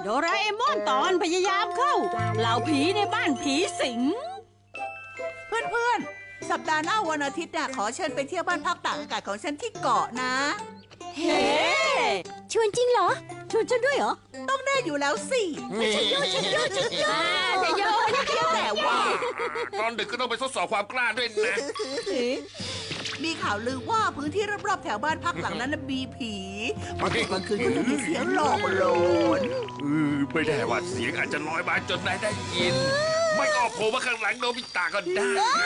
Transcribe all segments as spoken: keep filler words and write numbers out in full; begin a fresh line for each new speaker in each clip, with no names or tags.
โดราเอมอนตอนพยายามเข้าเหล่าผีในบ้านผีสิง
เพื่อนๆสัปดาห์หน้าวันอาทิตย์น่ะขอเชิญไปเที่ยวบ้านพักตากอากาศของฉันที่เกาะนะ
เฮ้
ชวนจริงเหรอชวนฉันด้วยเหรอ
ต้องแน่อยู่แล้วสิ
ฉันโยฉันโยฉันโย
ฉันโยฉันโย
แต่ว่า
ตอนดึกก็ต้องไปทดสอบความกล้าด้วยนะ
มีข่าวลือว่าพื้นที่รอบๆแถวบ้านพักหลังนั้นมีผีพอตกกลางคืนก็จะมีเสียงหลอกหลอน
ไม่ได้ว่าเสียงอาจจะลอยมาจนนายได้ยินไม่ออกโผล่มาข้างหลังโนบิตะก็ได้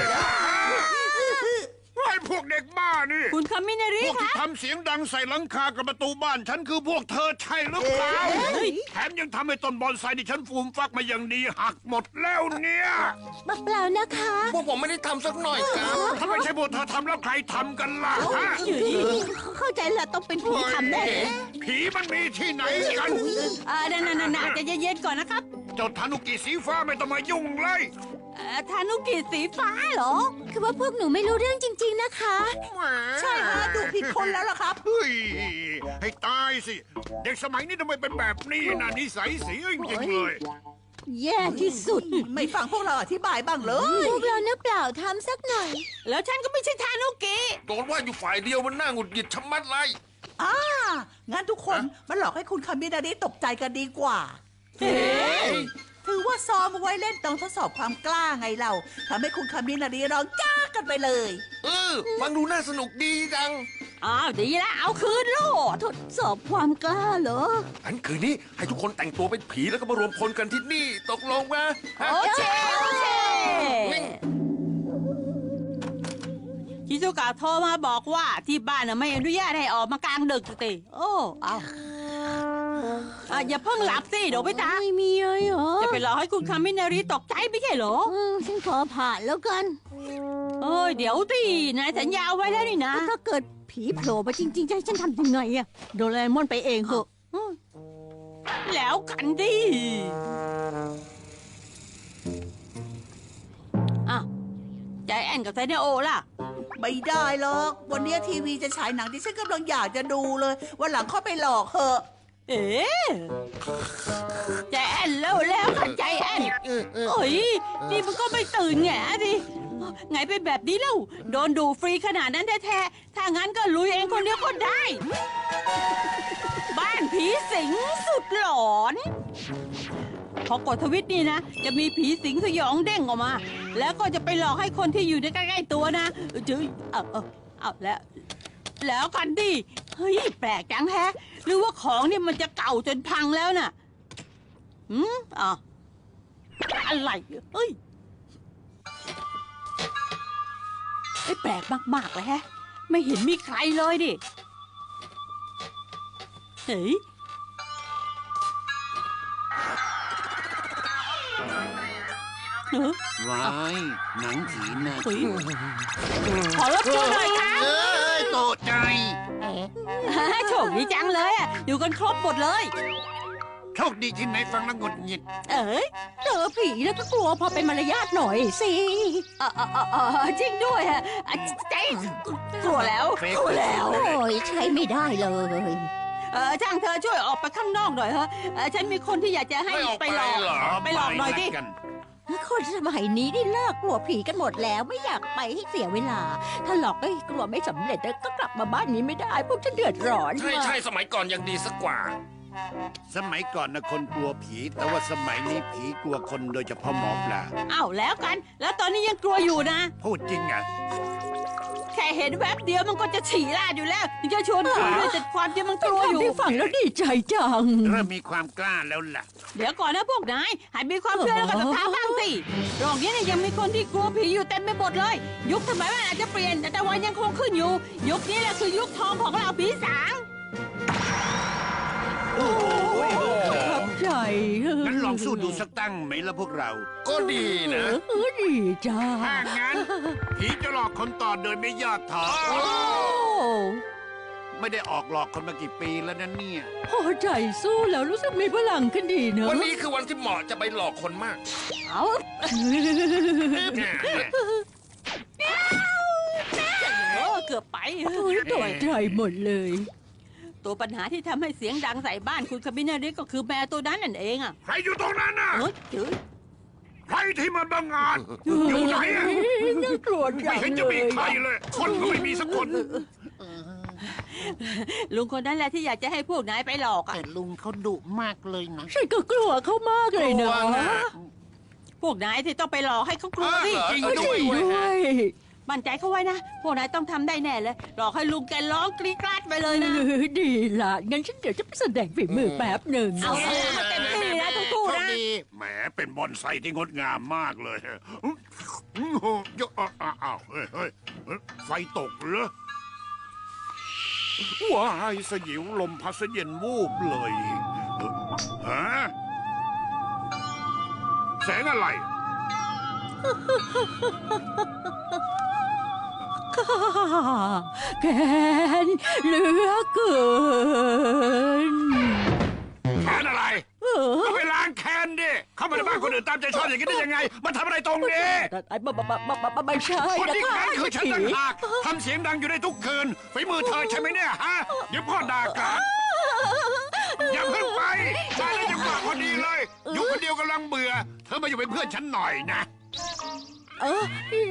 ไอ้พวกเด็กบ้านี่
คุณคามินาริ
พวกที่ทำเสียงดังใส่หลังคากับประตูบ้านฉันคือพวกเธอใช่หรือเปล่าแถมยังทำให้ต้นบอนไซที่ฉันฟูมฟักมาอย่างดีหักหมดแล้วเนี่ย
เปล่านะคะ
พวกผมไม่ได้ทำสักหน่อยครับ
ถ้าไม่ใช่พวกเธอทำแล้วใครทำกันล่ะฮะ
เข้าใจแล้วต้องเป็นผีทำแน่
ผีมันมีที่ไหนกัน
อ่านั่นๆๆจะเย็นๆก่อนนะครับ
เจ้าทานุกิสีฟ้าไม่ต้องมายุ่งเลย
ทานุกิสีฟ้าเหรอ
คือว่าพวกหนูไม่รู้เรื่องจริงๆนะคะ
ใช่ฮะดูผิดคนแล้วล่ะครับ
เฮ้ยให้ตายสิเด็กสมัยนี้ทำไมเป็นแบบนี้นะนิสัยเสียจริงๆเลย
แย่ที่สุด
ไม่ฟังพวกเราอธิบายบ้างเลย
พวกเราเนื้อเปล่าทำสักหน่อย
แล้วฉันก็ไม่ใช่ทานุกิ
โดนว่าอยู่ฝ่ายเดียวมันน่าหงุดหงิดชะมัดเลย
อ่างั้นทุกคนมาหลอกให้คุณคามินาริตกใจกันดีกว่า
เฮ้
ถือว่าซ้อมไว้เล่นต้องทดสอบความกล้าไงเราทำให้คุณคามินาริร้องจ้ากันไปเลย
เออฟังดูน่าสนุกดีจัง
อ้าวดีแล้วเอาคืนโลด
ทดสอบความกล้าเหรอ
อันคืนนี้ให้ทุกคนแต่งตัวเป็นผีแล้วก็มารวมพลกันที่นี่ตกลงมา
โอเคโอเคชิซุกะโทรมาบอกว่าที่บ้านไม่อนุญาตให้ออกมากลางดึกติโอ้เอาอ่ะอย่าเพิ่งหลับสิเดี๋ยวไปตา
ไม่มีเลยเหรอ
จะไปหลอกให้คุณคามินาริตกใจไม่ใช่เหรอ
ฉันขอผ่านแล้วกัน
เอ้ยเดี๋ยวตีนายสัญญาไว้แล้วนี่นะ
ถ้าเกิดผีโผล่มาจริงๆจะให้ฉันทำยังไงอะโดราเอมอนไปเองเหอะ
แล้วกันดิอ่ะใจแอนกับไซเนโอล่ะ
ไม่ได้หรอกวันนี้ทีวีจะฉายหนังที่ฉันกำลังอยากจะดูเลยวันหลังเข้าไปหลอกเหอะ
เอ๊ะใจแอนแล้วแล้วกันใจแอนเฮ้ยนี่มันก็ไม่ตื่นแง่ดิไงเป็นแบบนี้เล่าโดนดูฟรีขนาดนั้นแท้ๆถ้างั้นก็ลุยเองคนเดียวก็ได้บ้านผีสิงสุดหลอนพอกดทวิตนี่นะจะมีผีสิงสยองเด้งออกมาแล้วก็จะไปหลอกให้คนที่อยู่ในใกล้ๆตัวนะจื้อเอาเอาเอาแล้วแล้วกันดิเฮ้ยแปลกจังแฮะหรือว่าของเนี่ยมันจะเก่าจนพังแล้วน่ะหืมอ่ะอะไรเฮ้ยไอ้แปลกมากๆเลยแฮะไม่เห็นมีใครเลยดิเฮ้ย
ว้ายหนังผีน่ะ
ขอรบกวนหน่อยครับ
เอ้ยตกใจ
โชคดีจังเลยอ่ะอยู่กันครบหมดเลย
โชคดีที่ไหนฟังแล้วหงุดหงิด
เอ้ย
เจอผีแล้วก็กลัวพอเป็นมารยาทหน่อยสิ
เออเออจริงด้วยฮะใจกลัวแล้วกลัวแล้ว
โอ้ยใช้ไม่ได้เลย
เออช่างเธอช่วยออกไปข้างนอกหน่อยฮะฉันมีคนที่อยากจะให้ไปหลอกไปหลอกหน่อยดิ
คนสมัยนี้ได้เลิกกลัวผีกันหมดแล้วไม่อยากไปให้เสียเวลาถ้าหลอกได้กลัวไม่สำเร็จก็กลับมาบ้านนี้ไม่ได้พวกฉันเดือดร้อน
ใช่ใช่สมัยก่อนยังดีสักกว่า
สมัยก่อนนะคนกลัวผีแต่ว่าสมัยนี้ผีกลัวคนโดยเฉพาะหมอปลา
อ้าวแล้วกันแล้วตอนนี้ยังกลัวอยู่นะ
พูดจริงอ่ะ
แค่เห็นแวบเดียวมันก็จะฉี่ราดอยู่แล้วจะชวนคุยด้วยแต่ความที่มันกลัวอยู่
ฟังแล้วดีใจจัง
เริ่มมีความกล้าแล้วล่ะ
เดี๋ยวก่อนนะพวกนายหันมีความเชื่อแล้วก็ศรัทธาบ้างสิโลกนี้เนี่ยยังมีคนที่กลัวผีอยู่เต็มไปหมดเลยยุคสมัยมันอาจจะเปลี่ยนแต่ตะวันยังคงขึ้นอยู่ยุคนี้แหละคือยุคทองของเราผีสาง
ขอบใจ
งั้นลองสู้ดูสักตั้งไหมล่ะพวกเรา
ก็ดีนะ
ดีจ้า
ถ้างั้นผีจะหลอกคนต่อโดยไม่ย่อท้อไม่ได้ออกหลอกคนมากี่ปีแล้วนั่นเนี่ย
พอใจสู้แล้วรู้สึกมีพลังขึ้นดีเนอะ
วันนี้คือวันที่เหมาะจะไปหลอกคนมาก
เอา
เกือบไป
ตกใจหมดเลย
ตัวปัญหาที่ทำให้เสียงดังใส่บ้านคุณคาบินาริก็คือแมวตัวนั้นนั่นเองอ่ะ
ใครอยู่ตรงนั้นน่ะ
เออเจ๋อ
ใครที่มันบังอาจอยู่ไหนอะ
น่ากลัวจั
ไม่
ง
เห็นจะ
เล
มี
ย
ใครเลย คนก็ไม่มีสักคน
ลุงคนนั้นแหละที่อยากจะให้พวกนายไปหลอกอ่ะ
แต่ลุงเขาดุมากเลยนะ
ฉันก็กลัวเขามากเลยนะ
พวกนายที่ต้องไปหลอกให้เขากลัวสิ
จริง
เออ
ด้
จ
วย
ริงด้วย
มั่นใจเขาไว้นะ พวกนายต้องทำได้แน่เลย หลอกให้ลุงแกร้องกรี๊ดกราดไปเลยนะ
เออดีละงั้นฉันเดี๋ยวจะไปแสดงฝีมือแป๊บหนึ่ง
เอาเอาเต็มที่นะทุกคู่นะ
แหมเป็นบอนไซที่งดงามมากเลยเยอะอ้าวเฮ้ยเฮ้ยไฟตกเหรอว้ายสยิวลมพัดเย็นวูบเลยฮะแสงอะไร
ข้าแกนเหลือเกิน
แคนอะไร
เออ
ก็ไปล้างแคนดิ เข้ามาในบ้านคนอื่นตามใจชอบอย่างนี้ได้ยังไง มันทำอะไรตรงนี้
ไอ้บ้าบ้าบ้าบ้าบ้าไม่ใช่
คน
นะ
ที่
คะ
แค้นคือฉัน
ผี
ต่างหากทำเสียงดังอยู่ในทุกคืนฝีมือเธอใช่ไหมเนี่ยฮะเดี๋ยวพ่อด่ากลับอย่าเพิ่งไปมาแล้วจังหวะพอดีเลย อยู่คนเดียวกำลังเบื่อ เธอมาอยู่เป็นเพื่อนฉันหน่อยนะ
เออ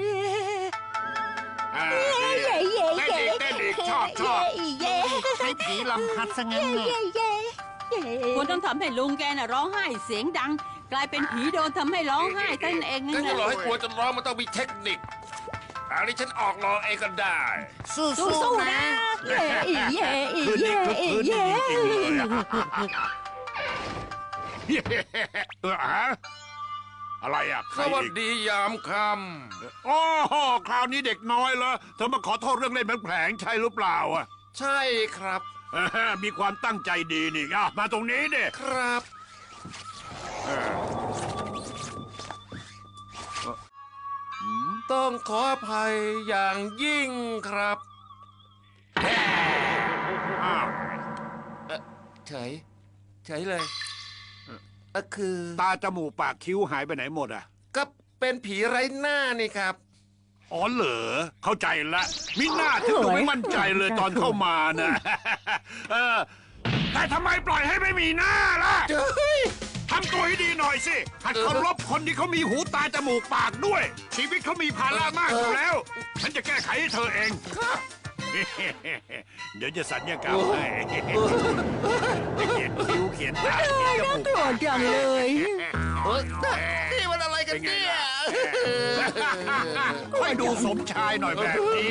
อ่า
เย่เย่
เต้น
เย่
อีกเต้นอีกชอบชอบ
เย่
ให้ผีลำพัดซะงั้นน่ะ
เย่เย่เย่
คุณต้องทำให้ลุงแกน่ะร้องไห้เสียงดัง กลายเป็นผีโดนทำให้ร้องไห้ตั้นเอง
ก็
นั่น
จะหลอก
แห
ให้
ละ
กลัวจนร้องมันต้องมีเทคนิคอันนี้ฉันออกลองเองก็ได้
สู้
สู้
ๆ
ๆ
นะ
นะเย่เย่เย่
คืนนี้
เย่
คือคืน
เย่
นี้จริงๆเลยอะเออฮะอะไรอ่ะใค
ส
ร
วัส
อีก
ดียามค่
โอ้โหคราวนี้เด็กน้อยเหรอเธอมาขอโทษเรื่องเล่นแผลงๆใช่หรือเปล่าอ่ะ
ำใช่ครับ
เออมีความตั้งใจดีนี่อ่ะมาตรงนี้ดิ
ครับ ต้องขออภัยอย่างยิ่งครับ
อ้าว
เฉย เฉยเลยเอ่อคือ
ตาจมูกปากคิ้วหายไปไหนหมดอ่ะ
ก็เป็นผีไร้หน้านี่ครับ
อ๋อเหรอเข้าใจละมิหน้าถึงดูไม่มั่นใจเลยตอนเข้ามานะ เออแต่ทำไมปล่อยให้ไม่มีหน้าล่ะ
เฮ้ย
ทำตัวให้ดีหน่อยสิหัดเคารพคนที่เขามีหูตาจมูกปากด้วย ชีวิตเขามีภาระมากอยู่แล้ว ฉันจะแก้ไขให้เธอเอง
ครับ
เดี๋ยวจะสัญญากรรมให้จะเขียนคิ้วเขียนตาเขียนจมูก
กลัวจังเลย
เฮ้ยนี่มันอะไรกันเนี่ย
ค่อยดูสมชายหน่อยแบบนี้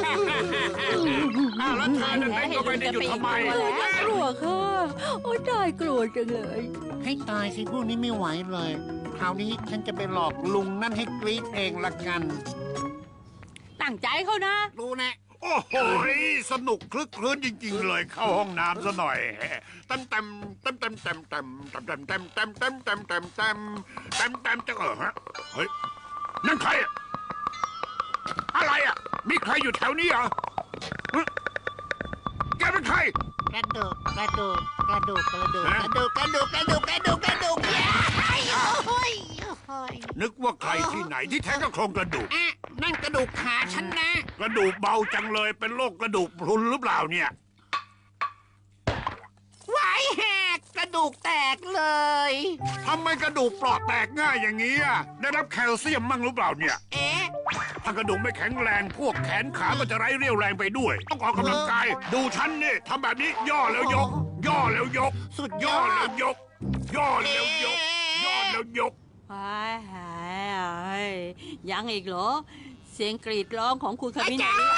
อ้าวแล้วเธอนั่นเองก็ไม่ได้หยุดทำไม
กลัวค่ะโอ้ยตายกลัวจังเลย
ให้ตายสิพวกนี้ไม่ไหวเลย คราวนี้ฉันจะไปหลอกลุงนั่นให้กรี๊ดเองละกัน
ตั้งใจเขานะ
ดูนะ
โอ้โหสนุกคลึกคลื้นจริง ๆ เลย เข้าห้องน้ำซะหน่อยเต็มเต็มเต็มเต็มเต็มเต็มเต็มเต็มเต็มเต็มเต็มเต็มเต็มเต็มเต็มเต็มจะเออฮะเฮ้ยนั่นใครอะอะไรอ่ะมีใครอยู่แถวนี้เหรอฮะแกเป็นใคร
กระดูกกระดูกกระดูกกระดูกกระดูกกระดูกกระดูกกระดูกกระดูกโอ้ยโอ้ย
นึกว่าใครที่ไหนที่แท้ก็โครงกระดูก
อ่ะนั่นกระดูกขาฉันนะ
กระดูกเบาจังเลยเป็นโรคกระดูกพรุนหรือเปล่าเนี่ย
ไหวแหกกระดูกแตกเลย
ทำไมกระดูกเปราะแตกง่ายอย่างนี้อ่ะได้รับแคลเซียมมั่งหรือเปล่าเนี่ย
เอ๊ะ
ถ้ากระดูกไม่แข็งแรงพวกแขนขาก็จะไร้เรี่ยวแรงไปด้วย ต้องออกกำลังกาย ดูฉันนี่ทำแบบนี้ย่อแล้วยก ย่อแล้วยก
สุดย
ย่อ
อ
แล้ว
ด
ยก ย่อแล้วยก ย่อแล้วยก
ไอ้ไอ้ยังอีกเหรอ เสียงกรีดร้องของคุณคาบินาริ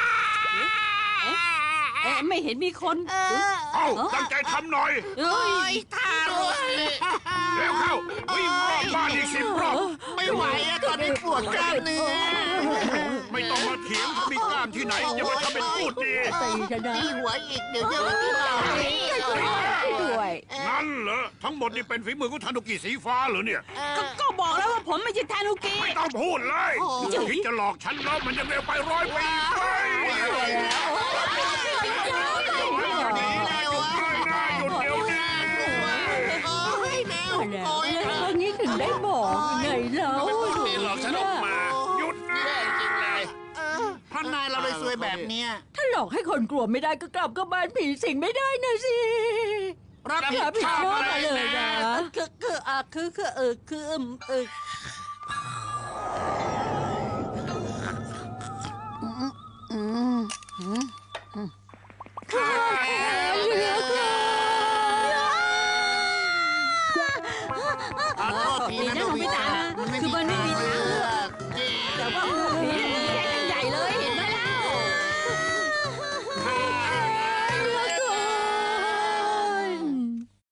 เอ๊ะไม่เห็นมีคน
เออ
เอ้าตั้งใจทำหน่อย
เอ้
โอ้
ย
ยทารุณ
เร็วเข้าวิ่งรอบบ้านอีกสิบรอบ
ไม่ไหวอะตอนนี้ปวดกล้ามเนื้อ
ไม่ต้องมาเถียงเขามีกล้ามที่ไหนอย่ามาทำเป็นพูดดี
ตีฉันนะ
ตีหัวอีกเดี๋ยวจะมาที่เรา
ด้วย
นั่นเหรอทั้งหมดนี่เป็นฝีมือของทานุกิสีฟ้าเหรอเนี่ย
ก็ก็บอกแล้วว่าผมไม่ใช่ทานุกิ
ไม่ต้องพูดเลยคิดจะหลอกฉันแล้วมันยังเร็วไปร้อยปีไปหยุดเลยนะหยุดเดี๋ยวนี้
โอ้ยแมว
แล้ว
โอ้ย
แล้วครั้งนี้ถึงได้บอกไงแล้ว
นี่หลอกฉันออกมา
หยุดนะ
แย่จริงเลย
เออเพราะนายเราเลยซวยแบบเนี้ย
ถ้าหลอกให้คนกลัวไม่ได้ก็กลับเข้าบ้านผีสิงไม่ได้นะสิ
รับผิด
รับผิด
ชอบ
ชอบ
อะไร
มาเลย
นะ
นะ
คือคืออ่ะคือคือเออคืออืมเอออืมอืม
ขอโทษที
ดี
นะ
นะ
โน
ของ
บิ
พี่
ตะ
ตานะ
มันไม่
คือ
มี
มันไม่มี
ทาง